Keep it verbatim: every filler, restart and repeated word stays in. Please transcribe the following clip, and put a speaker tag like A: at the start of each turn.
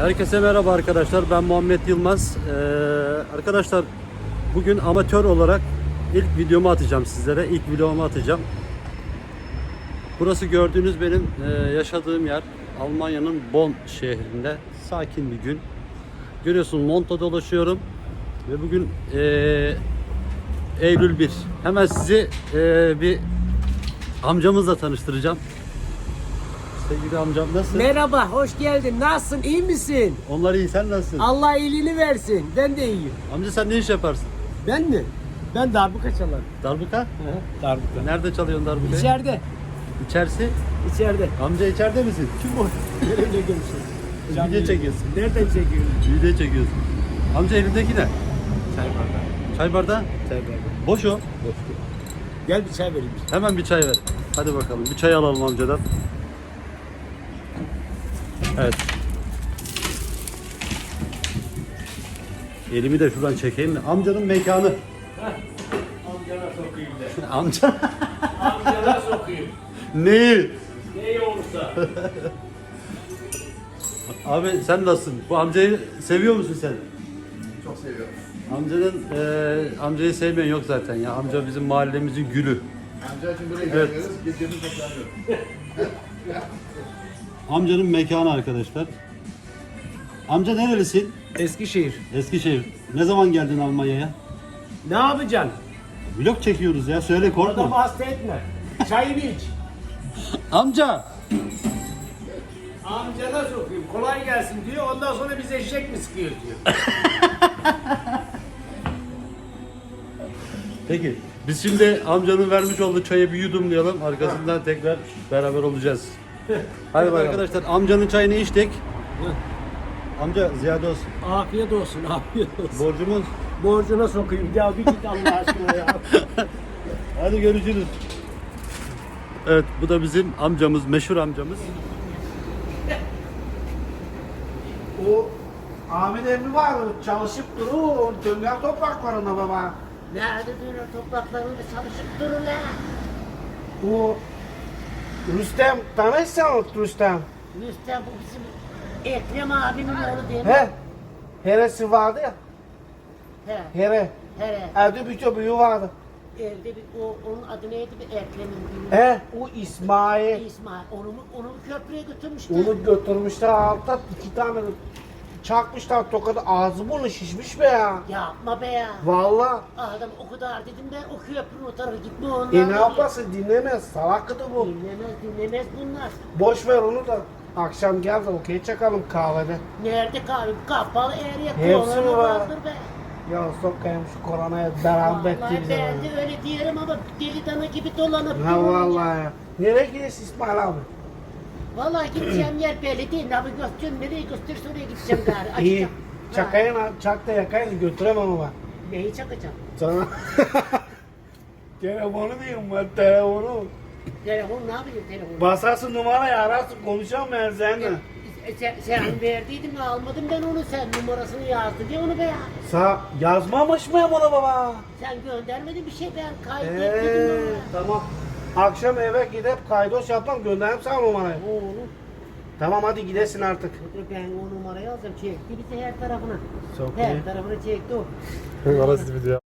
A: Herkese merhaba arkadaşlar. Ben Muhammed Yılmaz. Ee, arkadaşlar bugün amatör olarak ilk videomu atacağım sizlere. İlk vlogumu atacağım. Burası gördüğünüz benim e, yaşadığım yer. Almanya'nın Bonn şehrinde. Sakin bir gün. Görüyorsun, montla dolaşıyorum. Ve bugün e, Eylül bir. Hemen sizi e, bir amcamızla tanıştıracağım. Sevgili amcam, nasılsın?
B: Merhaba, hoş geldin. Nasılsın, iyi misin?
A: Onlar iyi, sen nasılsın?
B: Allah iyiliğini versin. Ben de iyiyim.
A: Amca sen ne iş yaparsın?
B: Ben mi? Ben darbuka çalarım.
A: Darbuka?
B: Darbuka.
A: Nerede çalıyorsun darbukayı?
B: İçeride.
A: İçerisi?
B: İçeride.
A: Amca içeride misin?
B: Kim o? Nereye görüşüyorsun?
A: Video çekiyorsun.
B: Nereden çekiyorsun?
A: Video çekiyorsun. Amca elindeki ne?
B: Çay bardağı.
A: Çay bardağı?
B: Çay bardağı.
A: Boş o.
B: Gel bir çay vereyim.
A: Hemen bir çay ver. Hadi bakalım. Bir çay alalım amcadan. Evet. Elimi de şuradan çekeyim de. Amcanın mekanı.
B: Amcana sokayım de.
A: Amca.
B: Amcana sokayım.
A: Neyi?
B: Ne olursa.
A: Abi sen nasılsın? Bu amcayı seviyor musun sen?
C: Çok seviyorum.
A: Amcanın e, amcayı sevmeyen yok zaten ya. Amca bizim mahallemizin gülü.
C: Amca için buraya
A: Evet.
C: geliyoruz, gecemiz toplanıyor.
A: Amcanın mekanı arkadaşlar. Amca nerelisin?
B: Eskişehir.
A: Eskişehir. Ne zaman geldin Almanya'ya?
B: Ne yapacaksın?
A: Vlog çekiyoruz ya. Söyle,
B: Adamı
A: korkma.
B: hasta etme. Çayını iç.
A: Amca.
B: Amcana sokayım. Kolay gelsin diyor. Ondan sonra biz eşek mi sıkıyor diyor.
A: Peki. Biz şimdi amcanın vermiş olduğu çayı bir yudumlayalım. Arkasından tekrar beraber olacağız. Hadi bakalım. Arkadaşlar amcanın çayını içtik. Amca ziyade olsun.
B: Afiyet olsun, afiyet olsun.
A: Borcumuz.
B: Borcuna sokayım. Ya bir git Allah aşkına ya.
A: Hadi görüşürüz. Evet, bu da bizim amcamız, meşhur amcamız.
D: O Ahmet emmi var, çalışıp durur, o dönger topraklarında baba.
E: Nerede böyle topraklarında çalışıp durun la?
D: O Rüstem, tanışsan Rüstem.
E: Rüstem bu bizim Ekrem abimin oğlu değil mi?
D: He, heresi vardı ya,
E: He.
D: here.
E: He.
D: Evde bir çocuğu vardı.
E: Evde bir, o, onun adı neydi bir Ekrem'in büyüğü.
D: He, o İsmail.
E: İsmail. Onu, mu- onu mu köprüye götürmüştü?
D: Onu götürmüşler altta, iki tane çakmışlar tokadı, ağzı burnu şişmiş be ya.
E: Yapma be ya.
D: Vallahi.
E: Adam o kadar dedim ben o köprünün o tarafa gitme ondan.
D: E ne
E: dedi.
D: yapasın, dinlemez, salaktı bu.
E: Dinlemez dinlemez bunlar.
D: Boş ver onu da. Akşam gel de okey çakalım kahvede.
E: Nerede kahve? Kapalı her yer
D: Hepsi
E: korona
D: var.
E: vardır be.
D: Ya sokayım şu koronaya beraber
E: Vallahi
D: bize.
E: ben de öyle diyelim ama deli dana gibi dolanıp
D: Ha
E: durun ya.
D: vallahi ya. Nereye gidiyorsun İsmail abi?
E: Vallahi gideceğim yer belli değil. Navigasyon nereye gösterirse oraya gideceğim gari.
D: İyi.
E: Açacağım. Ha,
D: Çakayın, çak da yakayın götüremem ama.
E: Neyi çakacağım?
D: Sana. Telefonu diyeyim ben telefonu.
E: Telefon ne yapayım telefonu?
D: Basarsın numarayı ararsın konuşalım ben seninle.
E: E, Sen, sen verdiydin almadım ben onu sen numarasını yazdı diye onu be ya.
D: Sa yazmamış mı bunu baba?
E: Sen göndermedin bir şey ben kaydetmedim
D: Eee
E: ama.
D: tamam. Akşam eve gidip kaydos yapmam göndereyim sana numarayı.
E: Oğlum
D: Tamam hadi gidesin artık.
E: ben o numarayı alacağım çekti bizi her tarafına.
D: Çok
E: Her
D: iyi.
E: tarafına çekti o.
A: Orası video.